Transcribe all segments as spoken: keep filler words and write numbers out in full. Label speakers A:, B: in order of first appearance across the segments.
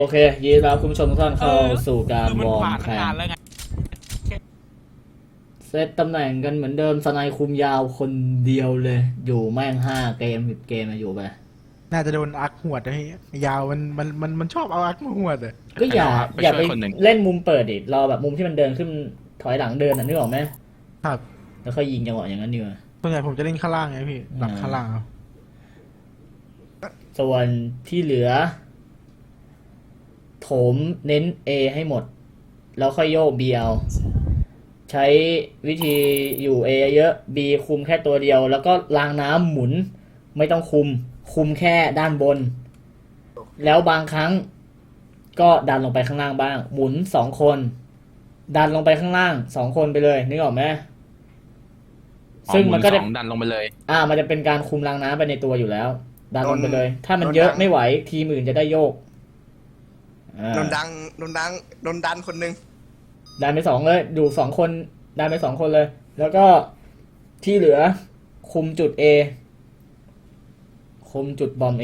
A: โอเคยินดีต้อนรับคุณผู้ชมทุกท่านเข้าสู่การวอร์มแข่งเซตตำแหน่งกันเหมือนเดิมสไนคุมยาวคนเดียวเลยอยู่แม่งห้าเกมสิบเกมมาอยู่ไป
B: น่าจะโดนอักหวดไอ้ยาวมันมันมันมันชอบเอาอักมาหวดอ่ะ
A: ก็อย่าอย่าไปเล่นมุมเปิดดิรอแบบมุมที่มันเดินขึ้นถอยหลังเดินอ่ะนึกออกไหม
B: ครับ
A: แล้วค่อยยิงจังหวะอย่างนั้นดีกว่า
B: ส่วนใหญ่ผมจะเล่นข้างล่างไงพี่หลังข้างล่างเอา
A: ส่วนที่เหลือโถมเน้น A ให้หมดแล้วค่อยโยก B เอาใช้วิธีอยู่ A เยอะ B คุมแค่ตัวเดียวแล้วก็รางน้ำหมุนไม่ต้องคุมคุมแค่ด้านบนแล้วบางครั้งก็ดันลงไปข้างล่างบ้างหมุนสองคนดันลงไปข้างล่างสองคนไปเลยนึกออกไหมซึ่งมันก็จะ
C: ดันลงไปเลย
A: อ่ามันจะเป็นการคุมรางน้ำไปในตัวอยู่แล้วดันลงไปเลยถ้ามันเยอะไม่ไหวทีมอื่นจะได้โยก
D: โดนดังโดนดังโดนดันคนนึง
A: ดันไปสองเลยดูสองคนดันไปสองคนเลยแล้วก็ที่เหลือคุมจุด A คุมจุดบอม A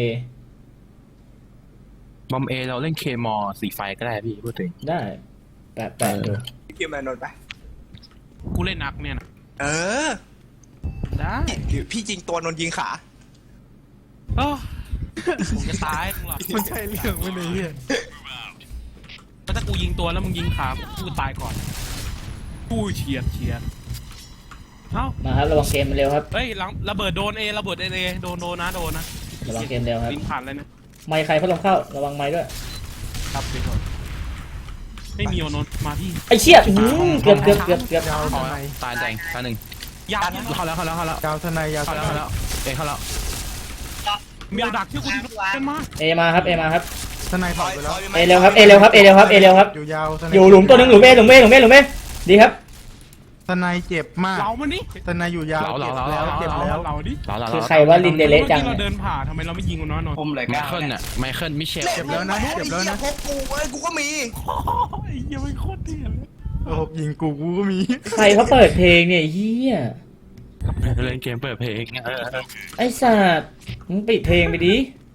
C: บอมเอเราเล่นเคมอสีไฟก็ได้พี่พูดถึง
A: ได้แปะแปะดู
D: พี่เกมมาโดนไป
C: กูเล่นนักเนี่ยนะ
D: เออ
C: ได้
D: พี่จริงตัวนนยิงขา
C: โอ้ผมจะตายมึงหรอ
B: มันใช่เรื่องไม่เลยเนี่ย
C: ถ้ากูยิงตัวแล้วมึงยิงขากูตายก่อนกูเฉียดเฉียดเอ้า
A: มาครับระวังเกมมันเร็วครับ
C: เฮ้ยระเบิดโดนเอระเบิดเอเอโดนโดนนะโดนนะ
A: ระวังเกมเร็วครับ
C: ลิงผ่านเลยนะ
A: ไมค์ใครพัดลมเข้าระวังไมค์ด้วย
C: ครับไปก่อนไม่มีโอนนมาพี่
A: ไอเชี่ยเกือบเกือบเกือบเกือบ
B: ยาวทนาย
C: ตายแดงตายหนึ่งยาวเข้าแล้วเข้าแล้วเข้าแล้ว
B: ยาวทนายยาว
C: เข้าแล้วเข้าแล้วเอเข้าแล้วมีดักที่กูดีเป็นมา
A: เอมาครับเอมาครับ
B: ทนายถอยไปแล้ว
A: เอเร็วครับเอเร็วครับเอเร็วครับเอเร็วครับ
B: อยู่ยาว
A: อยู่หลุมตัวนึงหลุมเอหลุมเอหลุมเอหลุมเอดีครับ
B: ทนายเจ็บมาก
C: เรามันนี่
B: ทนายอยู่ยาวเจ็บแล้วเจ็บแล้ว
C: เราดิ
A: คือใครว่าลินเดเละจัง
C: เราเดินผ่าทำไมเราไม่ยิงมันน้อยหน่อย
D: ผมเลยไม
C: เคิลน่ะไมเคิลมิเชล
B: เจ็บแล้วนะเจ็บแล้วนะ
D: พกกูเอ้ยกูก็มี
C: ยังไม่โคตรเถื่อนเลย
B: โอ้ยิงกูกูก็มี
A: ใครเขาเปิดเพลงเนี่ยเฮีย
C: เล่นเกมเปิดเพลง
A: ไอ้สัตว์มึงปิดเพลงไปดิ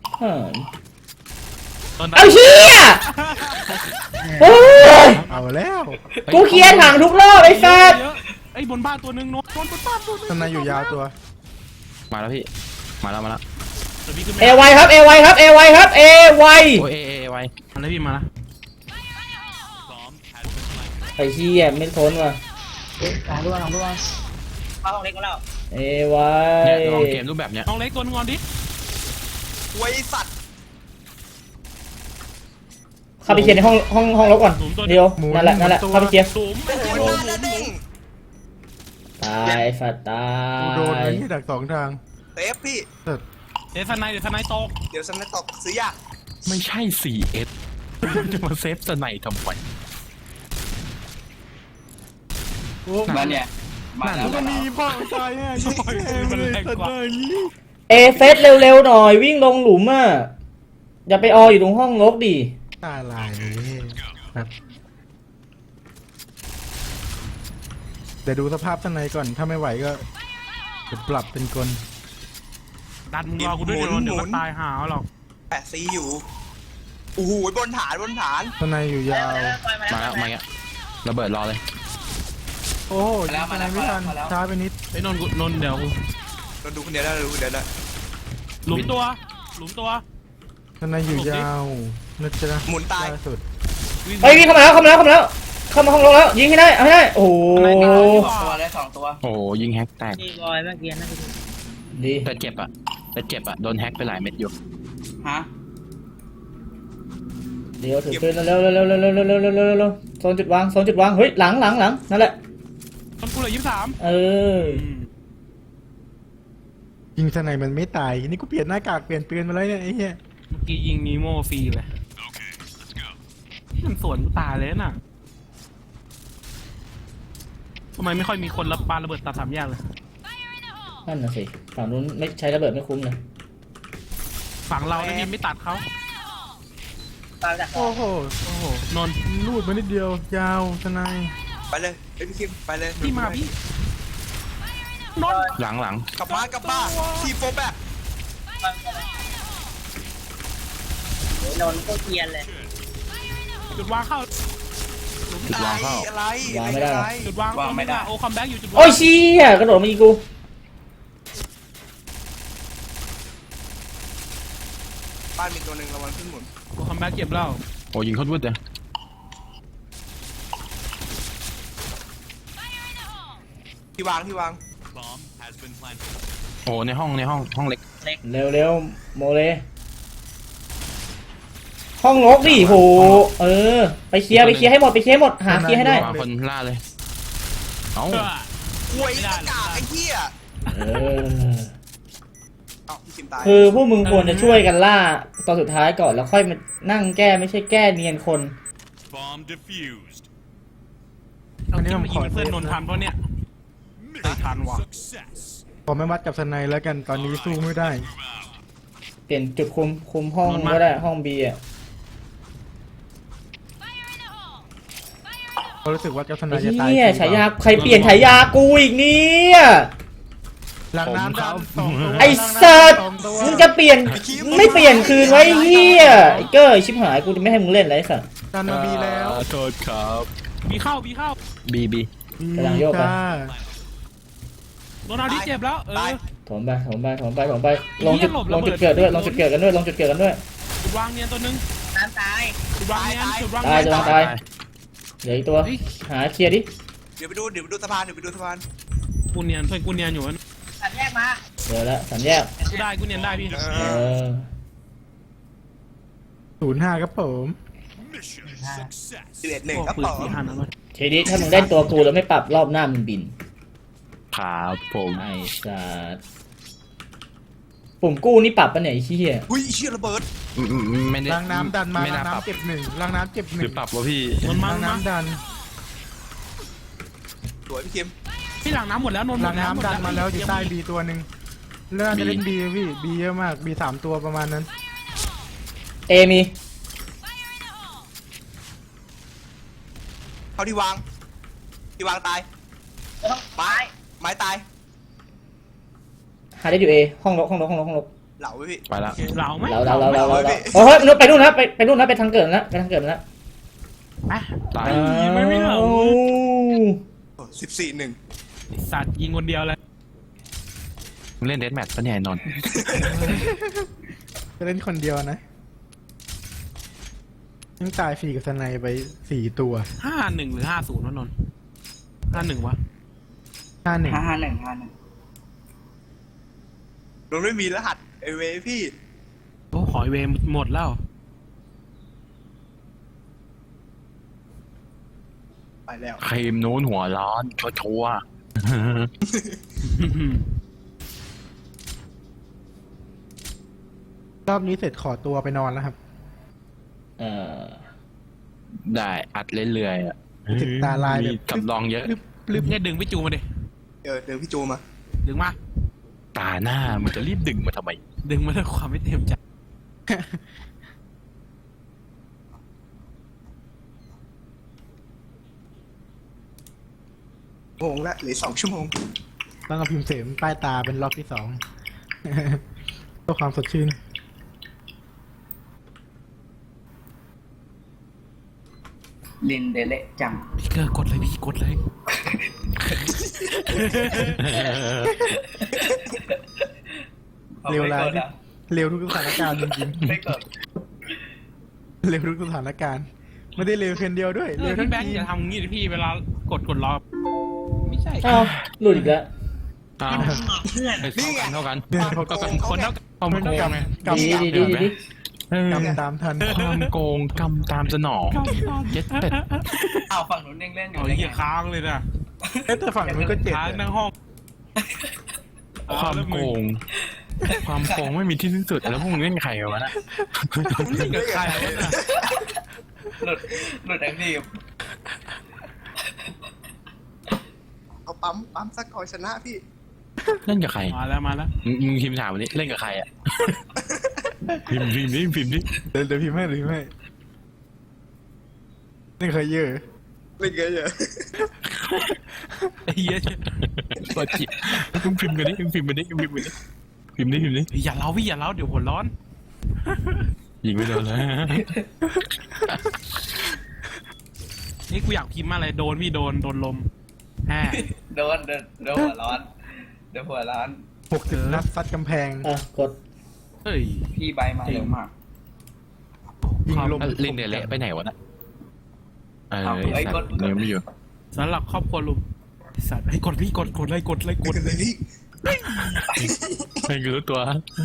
A: เอาเฮียโอ้ย
B: เอาแล้ว
A: กูเคลียร์ถังทุกรอบไอ้สัตว์
C: ไอ้บนบ้านตัวนึงโน้ตบนบ้านตัวนึง
B: ทนายอยู่ยาวตัว
C: มาแล้วพี่มาแล้วมาแล้ว
A: เอไวครับเอไวครับเอไวครับเอไว
C: โอ้เอเอไวมาแล้วพี่มาแล้ว
A: ไอ้เฮียไม่ทนว่ะ
E: ลองด้วยลองด้วยเข้าห้องเล็กมาแล้ว
A: เอไว
C: ลองเกมรูปแบบเนี้ยห้องเล็กตัวงอนดิ
D: ไว้สัตว์
A: เข้าไปเคลียร์ในห้องห้องห้องรถก่อนเดียวนั่นแหละนั่นแหละเข้าไปเคลียร์ตายสัตว์ตาย
B: โดนไอ้ที่ดักสองทาง
D: เซฟพี่
C: เดี๋ยวสไนเดี๋ยวสไนตก
D: เดี๋ยวสไนตกซื้อยาก
C: ไม่ใช่ ซี เอส จะมาเซฟสไนทำไม
E: โอ้มาเนี่ยมาแล้ว
B: มันมีพ่อใจอ่ะยิ่งเองเลยตัดเลย
A: เอเซตเร็วๆหน่อยวิ่งลงหลุมอ่ะอย่าไปอออยู่ตรงห้องรกดิ
B: ตาลายเลยครับเดี๋ยวดูสภาพข้างในก่อนถ้าไม่ไหวก็จะปรับเป็นกล
C: ดันมึงรอกูด้วยเดี๋ยวเดี๋ยวก็ตายหาหรอก
D: แปะซีอยู่โอ้โหบนฐานบนฐาน
B: ข้างในอยู่ยาว
C: มาแล้วมาเงี้ยระเบิดรอเลย
B: โอ้ยข้างในไม่ทันช้าไปนิด
C: ไอ้นนท์นนท์เดี๋ยว
D: เราดูคนเดียวได้ดูคนเดียวได้
C: หลุมตัวหลุมตัว
B: ข้างในอยู่ยาวนึกจะนะ
D: หมุนตาย
B: สุด
A: ไอ้วิ่งเข้ามาแล้วเข้ามาแล้วเข้ามาแล้วเข้ามาห้องรถแล้วยิงให้ได้เอาให้ได้โอ้โห
E: ตัวได้สองตัว
C: โอ้ยิงแฮกแตก
E: นี่บอยเมื่อกี้นะ
A: ดี
C: แต่เจ็บอ่ะแต่เจ็บอ่ะโดนแฮกไปหลายเม็ดอยู่
E: ฮะ
A: เดี๋ยวถือปืนเร็วเร็วเร็วเร็วเร็วเร็วเร็วเร็วเร็วเร็วโซนจุดวางโซนจุดวางเฮ้ยหลังหลังหลังนั่นแหละ
C: ต้นกูเลยยี่สิบสาม
A: เออ
B: ยิงทนายมันไม่ตายนี่กูเปลี่ยนหน้ากากเปลี่ยนปืนมาแล้วเนี่ยไอ้เหี้ย
C: เมื่อกี้ยิงนีโม่ฟรีเลยมันสวนตายเลยน่ะทำไมไม่ค่อยมีคนรับปาระเบิดตัดสามแยกเลย
A: นั่นน่ะสิฝั่งนู้นไม่ใช้ระเบิดไม่คุ้มเลย
C: ฝั่งเราไม่มีไม่ตัดเขา
B: โอ้โห
C: โอ้โหนน
B: ลูดมานิดเดียวยาวทนาย
D: ไปเลยไอ้พี่คิมไปเลย
C: พี่มาพี่นนหลังหลัง
D: กลับมากลับมาทีโฟแบบ
E: นนก็เกียนเลย
C: จุดวางเข้า
D: จุดวางเข้าอะไร
A: วางไม่ได้หรอ
C: จุดวางวางไม่ได้โอ้คัมแบ็กอยู่จุดวาง
A: โอ้ยเชี่ยกระโดดมาอีกกู
D: บ้านมีตัวหนึ่งระวังขึ้นหมุน
C: โอ้คัมแบ็กเก็บแล้ว
F: โอ้ยิงเขาด้วยเด้อ
D: ที่วางที่วาง
F: โอ้ในห้องในห้องห้องเล็ก
A: เร็วเร็วโมเลห้องลกดิโหเออไปเคลียร์ไปเคลียร์ให้หมดไปเคลียร์ให้หมดหาเคลียร์ให้ได้
F: วางคนล่าเลยเอ้า
C: เออ
D: หวยกระกากไอ้เหี้ย
A: เออ
D: เอ้าพี่คิมตาย
A: คือพวกมึงควรจะช่วยกันล่าตอนสุดท้ายก่อนแล้วค่อยมานั่งแก้ไม่ใช่แก้เนียนคน
G: Bomb defused.
C: เอาที่มายิงเพื่อนนนทันเพราะเนี่ย
G: Mission
C: Tan Wah.
G: success.
B: ผมไม่วัดกับสไนแล้วกันตอนนี้สู้ไม่ได้
A: เปลี่ยนจุดคุมคุมห้องก็ได้ห้องบีอ่ะ
B: เพราะรู้สึกว่ากับสไน
A: ไอ้
B: จะตาย
A: เหี้ยฉายาใครเปลี่ยนฉายากูอีกเนี่ย
B: หลังน้ำดำสองตัว
A: ไอ้สัตว์
B: สองตัว
A: มึงจะเปลี่ยนไม่เปลี่ยนคืนไว้ไอ้เหี้ยไอ้เกอร์ชิบหายกูจะไม่ให้มึงเล่นแล้วไอ้สัตว์
B: ดันมาบีแล้ว
F: โทษครับ
C: บีเข้าบีเข้า
F: บีบี
A: กำลังโยกไป
B: จ้า
C: โดนเอาที่เจ็บแล้วเออ
A: ถมไปถมไปถมไปถมไปลงจุดลงจุดเกิดด้วยลงจุดเกิดกันด้วยลงจุดเกิดกันด้วย
C: จุดวางเนียนตัวนึง
E: น้ำตาย
C: จุดวางเนียนจุดวาง
A: ตาย
C: เนียน
A: จะตายเหลืออีกตัวหาเคลียร์ดิ
D: เดี๋ยวไปดูเดี๋ยวไปดูสะพานเดี๋ยวไปดูสะพาน
C: กูเนียนเพื่อนกูเนียนอยู่
E: สัตว์แยกมา
A: เดี๋ยวละสามแยก
C: กูได้กูเนียนได้พี่
A: เออ
B: ศูนย์ห้าครับผม
G: Mission success.
D: สิบเอ็ดหนึ่ง
C: โอ้
D: ครับ
C: ปืน
D: ต่อ
C: สี่ห้านัดเลย
A: เชดิถ้ามึงได้ตัวกูแล้วไม่ปรับรอบหน้ามึงบิน
F: ครับผม
A: ไอ้สัตว์ปุ่มกู้นี่ปรับปะเนี่ยไอ้เหี้ย
D: อุ้ยเชี่ยระเบิด
F: อืมอืมไม่ได้
B: ล้างน้ำดันมา
F: ไม่
B: ล้า
F: น่าง ปรับ
B: น้ำเจ็บหนึ่งล้างน้ำเจ็บห
F: หรื
B: นึ่
F: อง ปรับวะพี่
C: นนท์มา
B: ล้าง
C: มา
B: น้ำดัน
D: สวยพี่คิม
C: พี่หลังน้ำหมดแล้วนนท์หม
B: ล้าง
C: ดแล้ว
B: น้ำดันมาแล้วอยู่ใต้บีตัวหนึ่งเลื่อนจะเล่นบีพี่บีเยอะมากบีสามตัวประมาณนั้น
A: เอมี
D: เข้าที่วางที่วางตาย
E: ไม้
D: ไม้ตาย
A: หาได้อยู่เอห้องลกห้องลกห้องลกห้องลก
D: เหล่าไว้พี่
F: ไปละ
C: เหลาไหม
A: เราเราเราเราเราโอ้ยนู่นไปนู่นนะไปไปนู่นนะไปทางเกิดแล้วไปทางเกิดแล้ว
C: อ่ะ
F: ตาย
C: ไม่ไม่เหลา
D: สิบสี่หนึ่ง
C: สัตว์ยิงคนเดียวเลย
F: มึงเล่นเดสแมทปะเนี่ยไอ้นนท์
B: จะเล่นคนเดียวนะยังตายฟรีกับสไนไปสี่ตัว
C: ห้าหนึ่งหรือห้าศูนย์วะนนท์ห้าหนึ่งวะ
B: ห้าหนึ่ง
E: ห้าห้าหนึ่งห้าหนึ่ง
D: เราไม่มีรหัสไอเวพี่
C: โอ้หอยเวมหมดแล้ว
D: ไปแล้ว
F: ครีมนู้นหัวร้อนชัวชัวร์
B: รอบนี้เสร็จขอตัวไปนอนแล้วครับ
A: เออ
F: ได้อัดเรื่อยๆอ่ะ
B: ติดตาลายแบบ
F: มีสำรองเยอะ
C: ลืมแค่ดึงพี่จูมาดิ
D: เออเดี๋ยวพี่จูมา
C: ดึงมา
F: ตาหน้ามันจะรีบดึงมาทำไม
C: ดึงมาด้วยความไม่เต็มใจ
D: โมงละเหลือสองชั่วโมง
B: ต้องเอาพิมพ์เสมใต้ตาเป็นรอบที่สอง เพื่อความสดชื่น
E: ลินเดเละจัง
C: พี่เกอร์กดเลยพี่กดเลย
B: เร็วร้ายเร็วทุกสถานการณ์จริง
E: ไม่กด
B: ๆเร็วทุกสถานการณ์ ไม่ได้เร็วเพียงเดียวด้วย
C: เอ
B: เร็
C: อ
B: วทั้
C: พี่
B: ง
C: แบงค์
B: ที
C: อย่าทำงี้ดิพี่เวลากดกดรอไม่ใช่
A: อ้าวหลุดอีกแล้ว
F: อ้าว
E: เพื่อน
F: เท่ากันเท่ากัน
B: เนี่ยเขา
C: ก็
B: ก็
C: เป็นคนเท่ากันความโกงไง
B: กำ
A: ดี
B: ตาม
A: ดีดีดีดี
F: เออก
B: ำตามทัน
F: ความโกงกำตามสนองเย็ดเป็ด
E: เอาฝั่งนู้นเล่นเล่นอยู่
C: เอา
E: ได้
C: เหี้
E: ไง
C: ยค้างเลยนะ
B: เอ๊ะแต่ฝั่งนู้นก็เจ็บ
C: ค้าง
B: อะ
C: ทั้งห้อง
F: ความโกง ความโกงไม่มีที่สิ้นสุดแล้วพวกมึงเล่นใครกันวะน่ะ
C: เล่นกับใครวะเนี่ย
E: หลุดหลุดแอคทีฟ
D: เอาปั๊มปั๊มสักก่อนชนะพี่
F: เล่นกับใคร
C: มาแล้วมาแล้ว
F: มึงมึงพิมพ์ถามวันนี้เล่นกับใครอ่ะ พิมพ์พิมพ์ดิพิมพ์ดิ
B: เดี๋ยวเดี๋ยวพิมพ์ให้เดี๋ยวพิมพ์ให้นี่เคยเยอะ
D: เล่นเยอะเยอะ
C: ไอ้เหี้ย
F: ปวดจิตมึงพิมพ์กันดิมึงพิมพ์กันดิมึงพิมพ์กันดิพิมพ์ดิพิมพ์ดิ
C: อย่าเล้าพี่อย่าเล้าเดี๋ยวหัวร้อน
F: ยิงไปโดนแล้ว
C: กูอยากพิมพ์มาอะไรโดนพี่โดนโดนลมแฮ
E: โดนโดนโดนหัวร้อนโดนหัวร้อน
B: หกสิบนัดซัดกำแพง
A: อ่ะกด
C: เฮ้ย
E: พี่ใบมาเร็วมาก
B: ยิงลม
F: ลิงเดเละไปไหนวะน่ะเออ
E: เอา
F: ไอ้
E: ไอ้
F: สั
E: ก
F: ต
E: ด
F: ว์ยังไม่อยู่
C: สำหรับครอบครัวลุงสัตว์ให้กดพี่กดกดเลยกดเลยกดเลย
F: ไม่รู้ตัว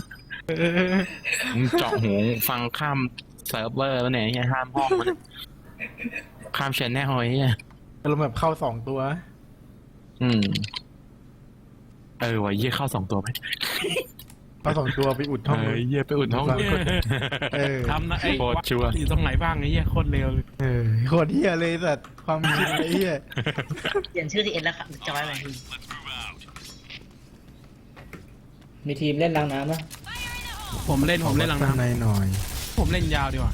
F: มึงเจาะหูฟังข้ามเซิร์ฟเวอร์แล้วเนี่ยไงห้ามห้องมันข้ามชแนลไอ้เนี่ย
B: อารมณ์แบบเข้าสองตัว
F: อืมเออวะเยี่ยเข้าสองตัวไหม
B: เข้าสองตัวไปอุด
F: เอ
B: ห้อง
F: อเยี่ยไปอุ่นห้อง
B: เออ
C: ทำนะไอ้
F: โคตรชัวร์
C: อยู่ตรงไหนบ้างไอ้เหี้ยโคตรเร็วเลย
B: เออโคตรเฮียเลยสัตว์ความคิดไอ้เฮีย
E: เปลี่ยนชื่อทีเอ็นแล้วครับจอยไป
A: มีทีมเล่นรางน้ำปะ
C: ผมเล่นผมเล่นหลัง
B: ข้างใน
C: น้ำ
B: หน่อย
C: ผมเล่นยาวดีกว่า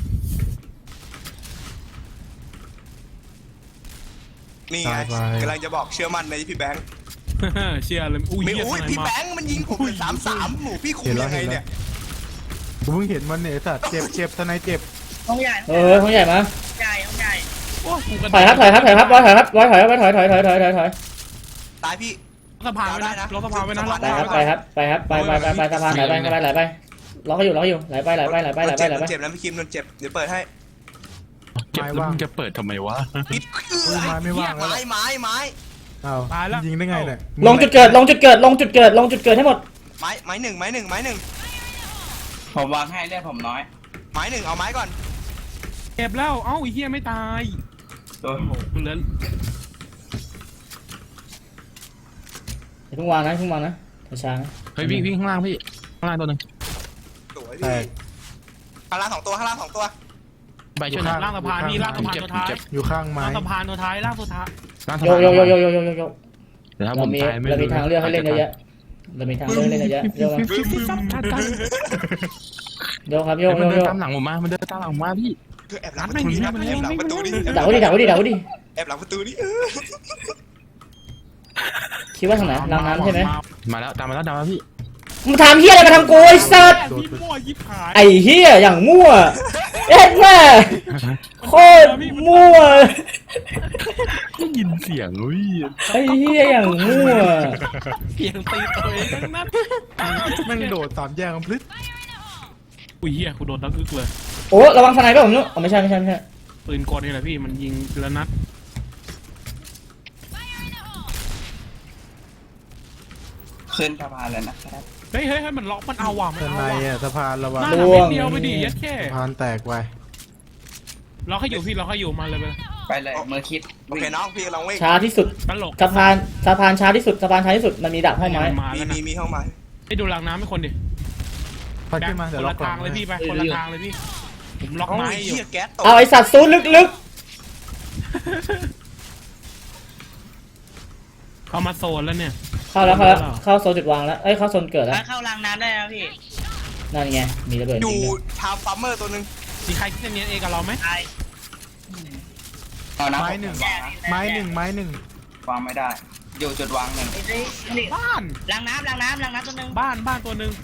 D: นี่ไงกำลังจะบอกเชื่อมั่นในพี่แบงค์
C: เชื่อเลยอุ้ย
D: ไม่
C: เหี้ย
D: อุ้ย
C: ทำไม
D: พี่
C: มา
D: แบงค์มันยิงผมเป็นสามสามหนูพี่คุมยังไงเนี่ย
B: กูเพิ่งเห็นมันเนี่ยสัตว์เจ็บเจ็บทนายเจ็บ
E: ห้องใหญ่
A: เออห้องใหญ่มา
E: ใหญ่ห้องใหญ่
C: โอ้กูกระ
A: ถอยครับถอยครับถอยครับร้อยถอยครับร้อยถอยครับร้อยถอยถอยถอยถอยถอยถอย
D: ตายพี่
C: สะพานไว้นะรถสะพานไว้นะรถ
A: ไป
C: สะ
A: ค
C: พา
A: รับ
C: น
A: ไปครับไปครับไปไปไปไปสะพานไหลไปไหลไปไหลไปล็อกให้อยู่ล็อกให้อยู่ไหลไปไหลไปไหลไปไหลไปไหลไป
D: เจ็บแล้วพี่คิมโดนเจ็บเดี๋ยวเปิดให้
F: เจ็บแล้วมึงจะเปิดทำไมวะ
D: ปิด
B: อุ้ยไม้ไม่ว่างแล้ว
D: ไม้ไม้ไม้
B: อ้าวยิงได้ไงเนี่ย
A: ลงจุดเกิดลงจุดเกิดลงจุดเกิดลงจุดเกิดให้หมด
D: ไม้ไม้หนึ่งไม้หนึ่งไม้หนึ่ง
E: ผมวางให้เลือดผมน้อย
D: ไม้หนึ่งเอาไม้ก่อน
C: เก็บแล้วเอ้าไอ้เหี้ยไม่ตาย
E: ตัว
C: โอ้โหกูเหลือ
A: อย่าเพิ่งวางนะอย่าเพิ่งวางนะช้าๆนะ
F: เฮ้ยวิ่งวิ่งข้างล่างพี่ข้างล่างตัวหนึง
D: สวย
B: แต
D: พี่
B: ก
D: ข้างล่างสองตัวข้างล่างสองตัว
F: ใบช่วยหนะ
C: ล่างสะพานนี่ล่างสะพาน
F: เจ็บ
C: ตัวท้าย
F: เจ็บ
B: อยู่ข้างไม้
C: ล่างสะพานตัวท้ายล่างตัวท้าย
F: ล่างสะ
A: โย
F: พาน
A: โยโยโยโยโยโยโย
F: เดี๋ยวถ้าผ
A: เรา
F: ม
A: มี
F: ตายไม่
A: เรามี
F: รู้
A: ทางเลือกให้เล่นเยอะแยะเรามีทางเลือกให้เล่นเยอะแยะโยมาโยครับโย
F: เฮ้ย
A: โย
F: มันเดิ
A: โย
F: นตามหลังผมมามันเดินตามหลังผมมาพี่
D: คือแอบหลังประตูนี่แอบหลังประตูนี่
A: ดักไว้ดิดักไว้ดิดักไว้ดิ
D: แอบหลังประตูนี่เออ
A: คิดว่าทางไหนรางน้ำใช่ไหม
F: มาแล้วตามมาแล้วตามมาพี่
A: มึงทำเฮียอะไรมาทำกูไอ้สัส
C: พี่มั่วยิบหาย
A: ไอ้เฮียอย่างมั่วเอ็ดแม่โคตรมั่ว
F: ได้ยินเสียงอุ้ย
A: ไอ้เฮียอย่างมั่ว
C: เพียงตีตัวเองทั้งนั้น
B: แม่งโดดสามแยกมันพลึด
C: อุ้ยเหี้ยกูโดนตั้งอึกเลย
A: โอ้ระวังทนายป่ะผมนู้อ๋อไม่ใช่ไม่ใช่ไม่ใช่
C: ปืนกลนี่แหละพี่มันยิงทีละนัด
E: ขึ้นสะพานเลยนะครับ
C: เฮ้ยเฮ้ยเฮ้ยมันล็อกมันเอาว่ะมัน
B: ท
C: เอา
B: นาย
C: ว่ะ
B: อ่ะสะพานระวัง
C: หน้าหนักนิดเดียวไปดิยัดแค่
B: สะพานแตกไป
C: ล็อกให้อยู่พี่ล็อกให้อยู่มาเลยไปเลย
E: ไปเลยมือคิด
D: โอเคน้องพี่กำลังวิ่ง
A: ช้าที่สุด
C: ตลก
A: สะพานสะพานช้าที่สุดสะพานช้าที่สุดมันมีดักห้องไม้
C: มา
D: มี
C: แล้ว
D: มี
C: นะ
D: มีห้องไม้
C: ให้ดูรางน้ำให้คนดิ
B: พัดขึ้นมา
C: ค
B: เดี๋ยวน ล็อ
C: ละ
B: กหลั
C: ทาง งเลยพี่ไปคนละทางเลยพี่ผมล็อก
D: เอา
C: ไม้
D: ไอ้
C: อยู่
D: เหี้ยแก๊สตก
A: เอาไอสัตว์ซูนลึก
C: เข้ามาโซนแล้วเนี่ย
A: ๆเข้าแล้วเข้าแล้วเข้าโซนจุดวางแล้วเอ้ยเข้าโซนเกิดแล้ว
E: เข้ารางน้ำได้แล้วพี่
A: นั่นไงมีระเบิด
D: อ
A: จริ
D: ยู่
A: งด้วย
D: ทาวฟาร์มเมอร์ตัวหนึ่ง
C: มีใครคิดจะเนียนเอกับเราไหม
E: ตายเอาน้ำ
B: ไม้หนึ่งไม้หนึ่งไม้หนึ่ง
E: วางไม่ได้ อยู่จุดวางหนึ่ง
C: บ้าน
E: รางน้ำรางน้ำรางน้ำตัวนึง
C: บ้านบ้านตัวหนึ่ง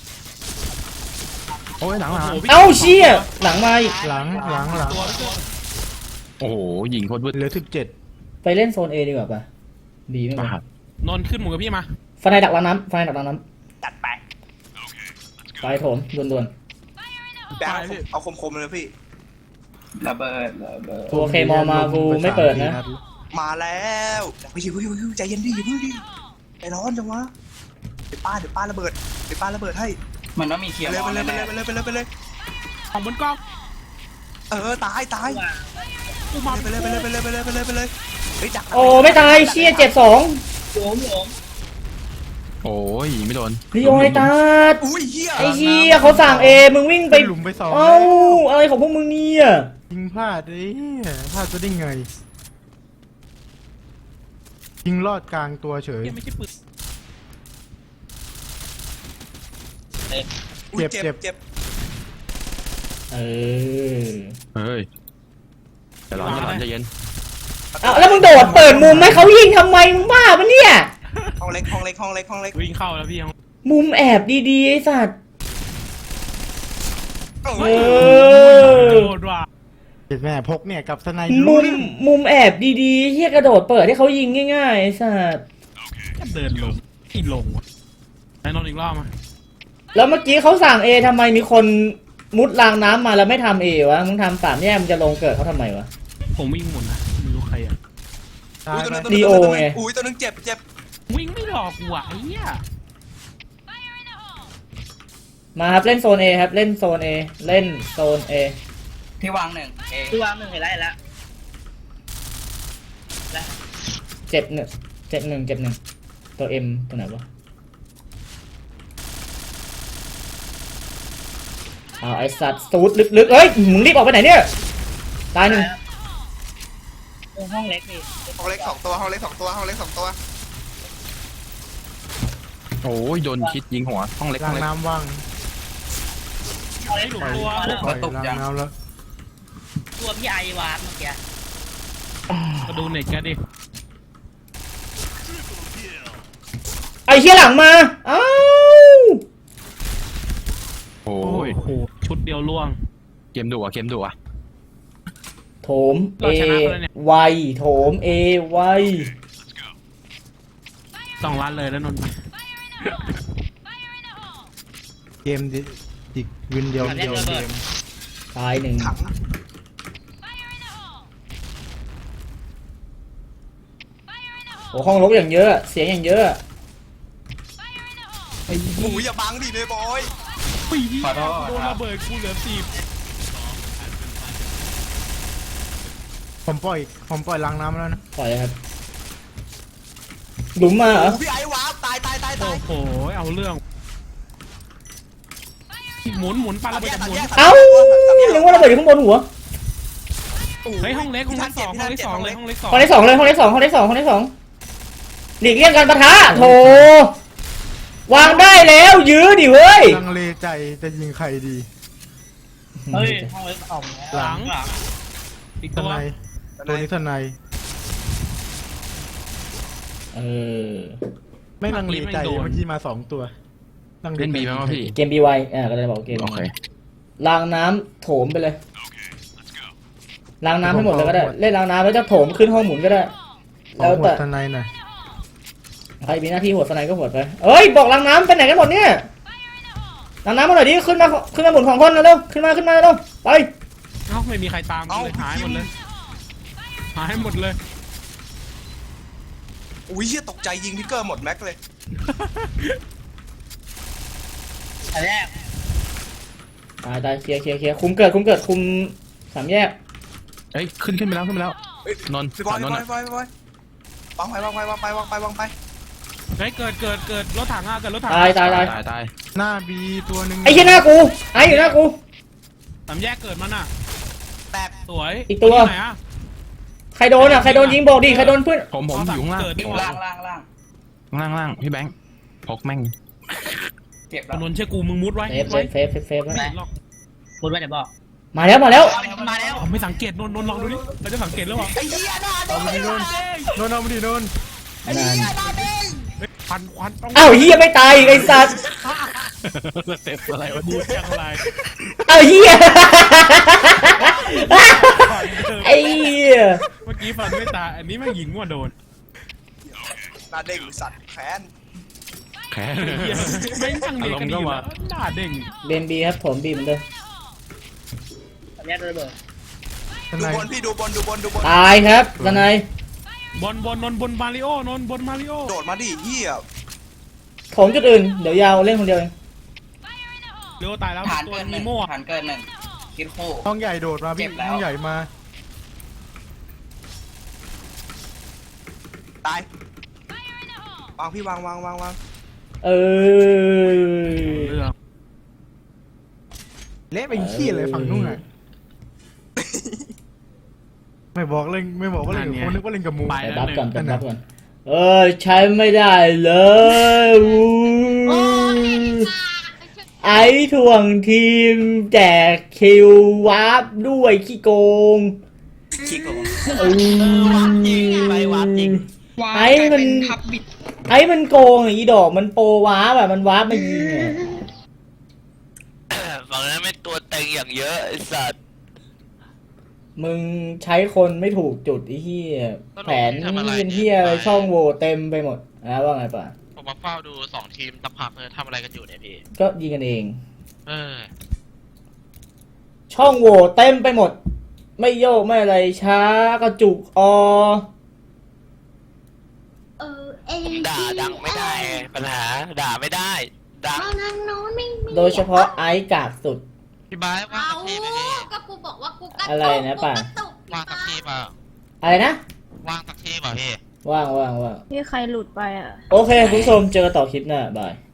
F: โอ้ยหลังหลัง
C: โโหพี่
A: เอ้าเชี่ยหลังมาอีก
B: หลังหลังหลัง
C: ตัวตัว
F: โอ้โหยิงโคตรวืด
B: เหลือสิบเจ็ด
A: ไปเล่นโซน A ดีกว่าป่ะ B ไม่
F: ปา
A: มา
F: ด
C: นนท์ขึ้นหมูกับพี่มา
A: ฟันในดักรางน้ำฟันในดักรางน้
E: จัดไป
A: ำไปโถมด่วน
D: แบงค์เอาคมๆเลยพี่
E: ระเบิดระเบิด
A: ๆตัวเคมอมากูไม่เปิดนะ
D: มาแล้วพี่ชิวพี่ชิวใจเย็นดิอย่าเพิ่งดิใจร้อนจังวะเดี๋ยวป้าเดี๋ยวป้าระเบิดเดี๋ยวป้าระเบิดให้
E: มันต้องมีเคลียร์
D: ไปเลย
E: บอ
D: ไป
E: ล
D: เลยไป
E: แน่
D: เลยไปเลยไปเลยไปเลย
C: ของบนกล้อง
D: เออตายตาย
C: กูมา
D: ไปเลยไปเลยไปเลยไปเลยไปเลยไปเลยเฮ้ยจัก
A: โอ้ไม่ตายเชี่ยเจ็บสอง
E: ๆโหมโหม
F: โอ้ยยิงไม่โดน
A: ลีโอไอตาด
D: อุ้ยเหี้ย
A: ไอ้เชี่ยเขาสั่ง A มึงวิ่งไป
B: หลุมไปสอง
A: เอ้าอะไรของพวกมึงเนี่ย
B: ยิงพลาดไอ้เหี้ยพลาดจะได้ไง ยิงลอดกลางตัวเฉย
C: ยังไม่ใช่ปืน
D: อุ้ย
B: เจ็
D: เจ็
B: บบ เจ็
D: เจ็
B: บ
D: บ
A: เออ
F: เฮ้ยจะร้อนจะร้อนใจเย็น
A: เอาแล้วมึงโดดเปิดมุมให้เขายิงทำไมมึงบ้าปะเนี่ย
D: ห้องเล็กห้องเล็กห้องเล็กห้องเล็ก
C: วิ่งเข้าแล้วพี่ยัง
A: มุมแอบดีๆไอ้สัตว์
D: เอ
A: เอ
D: อ
A: อ
C: โดดว่ะ
B: เห็นแม่พกเนี่ยกับสไน
A: มุมมุมแอบดีๆเฮียกระโดดเปิดให้เขายิงง่ายๆไอ้สัส
C: ก็เดินลงที่ลงวะไอ้นนท์อีกรอบมา
A: แล้วเมื่อกี้เขาสั่งเอทำไมมีคนมุดรางน้ำมาแล้วไม่ทำเอวะมึงทำสามแยกมันจะลงเกิดเขาทำไมวะ
C: ผมวิ่งหมุนนะไม่รู้ใครอ่ะ
B: ตาย
D: ตัว
B: ไป
D: นึงตัว
A: ดี
D: นึง
A: โอ
D: ตัวนึง
A: ไง
D: อุ้ยตัวนึงเจ็บเจ็บ
C: วิ่งไม่หลอกกูอ่ะไอ้เหี้ย
A: มาครับเล่นโซนเอครับเล่นโซนเอเล่นโซนเอ
E: ที่วางหนึ่งเอที่วางหนึ่งเห็นแล้วเห็นแล้วแล้ว
A: เจ็บหนึ่งเจ็บหนึ่งเจ็บหนึ่งตัวเอ็มตัวไหนวะเอาไอสัตว์สูดลึกๆเอ้ยมึงรีบออกไปไหนเนี่ยตายหนึ่ง
E: ตรงห้องเล็กพี่
D: ห้องเล็กสองตัวห้องเล็กสองตัวห้องเล็กสองตัว
F: โอ้ยโดนคิดยิงหัวห้องเล็กห้
B: ล้า
F: อง งเล็ก
B: น้ำว่าง
E: ห้องเล็ก
C: หลุ
E: ถู
C: ม
E: ก
C: ตัว
E: ตัว
B: ปล่อยล้างน้ำแล้ว
E: ตัวพี่ไอวาร์ปเมื่อกี้
C: ก็ดูเน็ตแกดิ
A: ไอเชี่ยหลังมาอ้าว
F: โอ้
C: โอ้
F: ย
C: โหชุดเดียวล่วง
F: เกมดุอ่ะเกมดุอ่ะ
A: โถมเอ
C: เราชนะเขาแล้วเนี่ย
A: ไวโถมเอไว
C: ต้องรัดเลยแล้วนนท์
B: เกมดิอีกวินเดียวเดียวเกม
A: ตายหนึ่ง
D: ถัง
A: โอ้ห้องรกอย่างเยอะเสียงอย่างเยอะ
C: ไอ้
D: หมูอย่าบังดิเลยบอย
C: ปีโดนระเบิดกูเหลือสิบ
B: ผมปล่อยผมปล่อยล้างน้ำแล้วนะ
A: ปล่อยเลยครับหลุมมาเหรอ
D: โอ้พี่ไอ้วาร์ปตายตายตายตา
C: โอ้
D: ย
C: โหเอาเรื่องหมุนหมุนปาระเบิดจากหมุน
A: เอ้ายังว่าระเบิดอยู่ข้างบนหัว
C: เฮ้ยห้องเล็กห้องเล็กสองห้องเล็กสองเลยห้องเล็กสอง
A: ห้องที่สองเลยห้องที่สองห้องที่สองห้องที่สองหลีกเลี่ยงการปะทะโถวางได้แล้วยื้อดิเว้ย
B: ลังเลใจจะยิงใครดี
E: เฮ้ยห้องเล็กออก
C: หลังอีก
B: ส
C: ตัว
B: ไนตัวนี้สไน
A: เออ
B: ไม่ลังเลใจเมื่อกี้มาสองตัวลัง
F: เล่นบีไหมวะพี่
A: เกมบีไวอ่าก็เลยบอกเกม
F: โอเค
A: ล้างน้ำโถมไปเลยล้างน้ำให้หมดเลยก็ได้เล่นล้างน้ำแล้วจะโถมขึ้นห้องหมุนก็ได้
B: แล้
A: แล้ว ว
B: แต่
A: แต่
B: สไนหน่อย
A: ใครมีหน้าที่หัวสไนก็หัวไปเอ้ยบอกล้างน้ำไปไหนกันหมดเนี่ยล้างน้ำมาหน่อยดิขึ้นมาขึ้นมาหมุนของคนเร็วขึ้นมาขึ้นมาเร็วไป
C: เอ้าไม่มีใครตามกูเลยหายหมดเลยหายหมดเลย
D: อุ้ยเชี่ยตกใจยิงพิกเกอร์หมดแม็กเลย
E: อันแรก
A: ตายตายเคลียร์เคลียร์เคลียร์คุมเกิดคุมเกิดคุมสามแยก
F: เอ้ยขึ้นขึ้นไปแล้วขึ้นไปแล้ว
D: เอ้ย
F: นนท์
D: พี่บอย
F: น
D: พี่
F: น
D: บ
F: ท์
D: อย
F: อะ
D: พี่บอยพี่บอยวางไปวางไปวางไปวางไปวางไป
C: เฮ้ยเกิดเกิดเกิดรถถังอ่ะเกิดรถถัง
A: ตายตายตาย
F: ตายตาย
B: หน้าบีตัวหนึ่ง
A: ไอ้เหี้ยหน้ากูไอ้อยู่หน้ากู
C: สามแยกเกิดมันอ่ะ
D: แตก
C: สวย
A: อีกตัว
C: ที่ไหนอ่ะ
A: ใครโดนอ่ะใครโดนยิงบอกดิใครโดนเพื่อน
F: ผมผมอยู่ข้างล่าง
C: เกิดนี่ห
E: ล่า
C: ว่าง
E: ล่างล่าง
F: ข้างล่างล่างพี่แบงค์พกแม่ง
E: เจ็บแล้ว
C: นนท์เชื่อกูมึงมุดไว้
A: เซ
C: มุ
A: ฟ
C: ด
A: เซ
C: ไว้
A: ฟเซฟเซฟเซฟไว้
C: ไม่เห็นหรอก
E: พูดไว้เดี๋ยวบอก
A: มาแล้วมาแล้ว
E: มาแล้ว
C: ผมไม่สังเกตนนท์นนท์ลองดูดิเราจะสังเกตแล้วเหรอ
D: ไอ้เหี้ยหน้าเด้ง
B: เอามาดิโนนโนนเอามาดิโนน
D: ไอ้เหี้ยหน้าเด้ง
C: เฮ้ยควันควันต้อง
A: อ้าวเฮียไม่ตายอีกไอ้สัส
F: เต็มอะไรวะ
C: ดู
F: เนี่ย
C: จังไร
A: อ้าวเฮียไอ้เฮีย
C: เมื่อกี้ฟันไม่ตายอันนี้แม่งยิงมั่วโดน
D: หน้าเด้งสัตว์แขน
F: แค่
C: เหี้ยแม่งช่างเด็กกันดีแล้วหน้าเด้ง
A: เบนบีครับผมบีเหมือนเดิม
E: อันแรกระเบิด
B: ส
D: ดู
B: ไน
D: บนพี่ดูบนดูบนดูบน
A: ตายครับสไน
C: บนบนนนท์บนมาริโอนนท์บนมาริโอ
D: โดดมาดิเหี้ย
A: ผมจุดอื่นเดี๋ยวยาวเล่นคนเดียวเอง
C: เร็วตายแล้ว
E: ฐาน
C: ตัว
E: เกินห
C: นี
E: นึ่ง
C: โม่
E: ฐานเกินหนึ่งคิดคู่
B: ห้องใหญ่โดดมาพี่
E: เจ็บแล้ว
B: ห้องใหญ่มา
D: ตาย วางพี่วางวางวางวาง
A: เออ
C: เรื่อง
B: เละเป็นขี้เลยฝั่งนู้นอ่ะไม่บอกเล่นไม่บอกว่าเล่นกับคนนึกว่าเล่นกับหมู
C: ไป
A: ไป
C: แล้ว
A: บัฟ
C: หนึ่
A: ก่อน
C: ง
A: ไปบัฟก่อนเออใช้ไม่ได้เลยอู้ไอ้ถ่วงทีมแจกคิววาร์ปด้วยขี้โกง
E: คิดคู่
A: เออ
E: ไปวาร์ปจริง
A: ไอ้มันไอ้มันโกงอ่ะอีดอกมันโปรวาร์ปอ่ะมันวาร์ปมายิงอ่ะ
H: ฝั่งนั้นไม่ตัวเต็งอย่างเยอะไอ้สัตว์
A: มึงใช้คนไม่ถูกจุดไอ้เหี้ยแผนเป็นเหี้ยอะไรช่องโหว่เต็มไปหมดนะว่าไงป่ะ
F: ผมมาเฝ้าดูสองทีมสักพักเลยทำอะไรกันอยู่เนี่ยพี่
A: ก็ยิงกันเอง
F: เออ
A: ช่องโหว่เต็มไปหมด ไม่โยกไม่อะไรช้ากระจุกออ
H: เออเอง
F: ด่าดังไม่ได้ปัญหาด่าไม่ได้ดัง
H: เอาทางโน้นไม่มี
A: โดยเฉพาะไอ้กากสุด
F: พี่บายว่าง
H: เอา
F: สักทีไหมพี่
H: ก็กูบอกว่ากูกระตุก
A: อะไรนะป่ะ
H: กูกระตุก
F: ว่างสักทีเปล่า
A: อะไรนะ
F: ว่างสักทีเปล่าพี่
A: ว่างว่างว่าง
I: ที่ใครหลุดไปอ่ะ
A: โอเคคุณผู้ชมเจอกันต่อคลิปหน้าบาย